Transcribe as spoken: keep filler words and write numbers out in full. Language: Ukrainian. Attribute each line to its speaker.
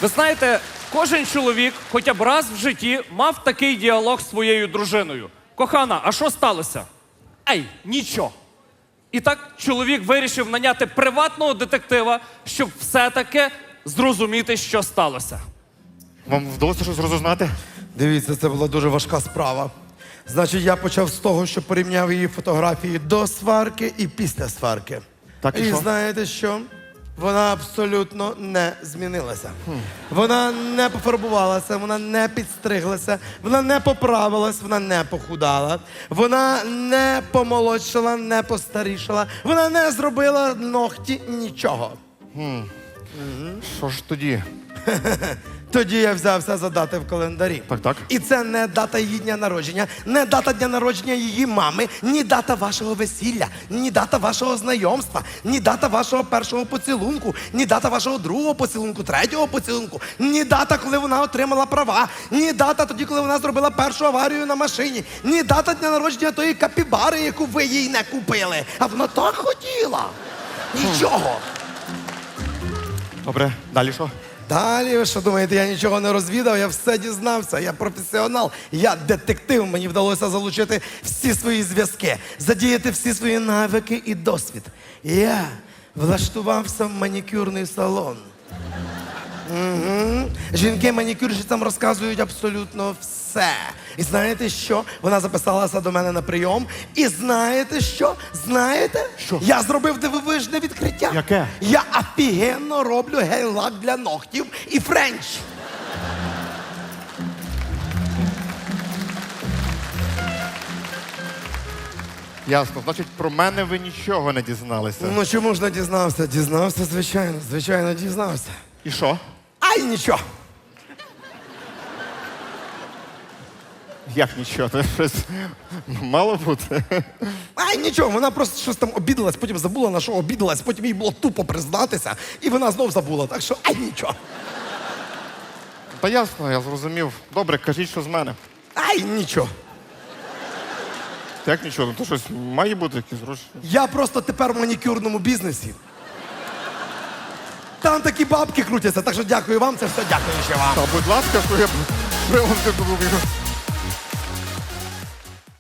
Speaker 1: Ви знаєте, кожен чоловік хоча б раз в житті мав такий діалог з своєю дружиною. Кохана, а що сталося? Ей, нічого. І так чоловік вирішив наняти приватного детектива, щоб все-таки зрозуміти, що сталося.
Speaker 2: Вам вдалося щось розузнати?
Speaker 3: Дивіться, це була дуже важка справа. Значить, я почав з того, що порівняв її фотографії до сварки і після сварки.
Speaker 2: Так, і
Speaker 3: і
Speaker 2: що?
Speaker 3: знаєте що? Вона абсолютно не змінилася. Хм. Вона не пофарбувалася, вона не підстриглася, вона не поправилась, вона не похудала, вона не помолодшала, не постарішала, вона не зробила ногті нічого.
Speaker 2: Що ж тоді?
Speaker 3: Тоді я взявся за дати в календарі.
Speaker 2: Так, так.
Speaker 3: І це не дата її дня народження, не дата дня народження її мами, ні дата вашого весілля, ні дата вашого знайомства, ні дата вашого першого поцілунку, ні дата вашого другого поцілунку, третього поцілунку, ні дата, коли вона отримала права, ні дата тоді, коли вона зробила першу аварію на машині, ні дата дня народження тої капібари, яку ви їй не купили. А вона так хотіла. Нічого.
Speaker 2: Добре, далі що?
Speaker 3: Далі, ви що думаєте, я нічого не розвідав, я все дізнався, я професіонал, я детектив, мені вдалося залучити всі свої зв'язки, задіяти всі свої навики і досвід. Я влаштувався в манікюрний салон. Угу. Жінки-манікюрщицям розказують абсолютно все. І знаєте що? Вона записалася до мене на прийом. І знаєте що? Знаєте?
Speaker 2: Що?
Speaker 3: Я зробив дивовижне відкриття.
Speaker 2: Яке?
Speaker 3: Я офігенно роблю гель-лак для ногтів і френч.
Speaker 2: Ясно. Значить, про мене ви нічого не дізналися.
Speaker 3: Ну чому ж не дізнався? Дізнався, звичайно, звичайно, дізнався.
Speaker 2: І що?
Speaker 3: Ай, нічого.
Speaker 2: Як нічого? Це щось мало бути.
Speaker 3: Ай, нічого, вона просто щось там обідалась, потім забула, на що обідалась, потім їй було тупо признатися, і вона знов забула, так що ай, нічого.
Speaker 2: Та ясно, я зрозумів. Добре, кажіть, що з мене.
Speaker 3: Ай, нічого.
Speaker 2: Як нічого? Ну то щось має бути якісь гроші.
Speaker 3: Я просто тепер в манікюрному бізнесі. Там такі бабки крутяться, так що дякую вам, це все дякую ще вам.
Speaker 2: Та, будь ласка, що я приводити буду.